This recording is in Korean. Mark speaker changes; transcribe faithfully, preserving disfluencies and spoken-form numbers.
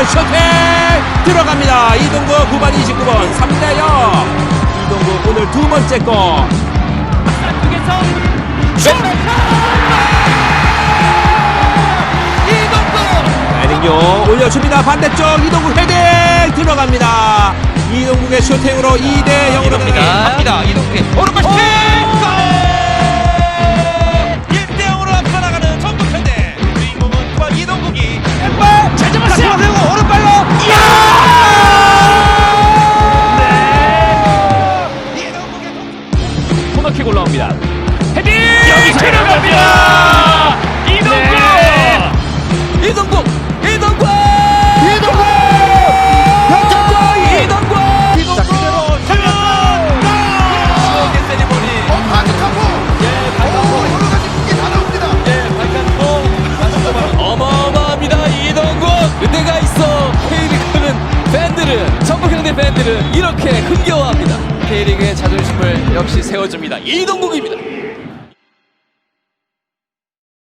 Speaker 1: 슈팅 들어갑니다. 이동국 구 번 이십구 번 삼 대 영. 이동국 오늘 두 번째 골.
Speaker 2: 쪽에서 슛! 이동국!
Speaker 1: 에릭용 올려줍니다. 반대쪽 이동국 헤딩 들어갑니다. 이동국의 슈팅으로 이 대 영으로
Speaker 2: 갑니다. 이동국의 오른발 슈팅! 일 대 영으로 앞서 나가는 전북현대. 주인공은 과 이동국이 왼발 잘 잡았어요. 그리고 오른발로 이야! 네. 이동국의
Speaker 3: 코너킥 올라옵니다. 헤딩!
Speaker 2: 여기
Speaker 3: 들어갑니다. 이동국!
Speaker 2: 네. 이동국! 이동국!
Speaker 1: 이동국!
Speaker 2: 이동국! 이동국! 자, 그대로 슛! 추억의 세리머니.
Speaker 4: 어, 반짝하고
Speaker 2: 예, 발칸포.
Speaker 4: 여러 가지 무게 다 나옵니다.
Speaker 2: 예, 발칸포. 다시 어마어마합니다. 이동국! 그대가 있어. K리그는 팬들은, 전북현대 팬들은 이렇게 흥겨워합니다. K리그의 자존심을 역시 세워줍니다. 이동국입니다.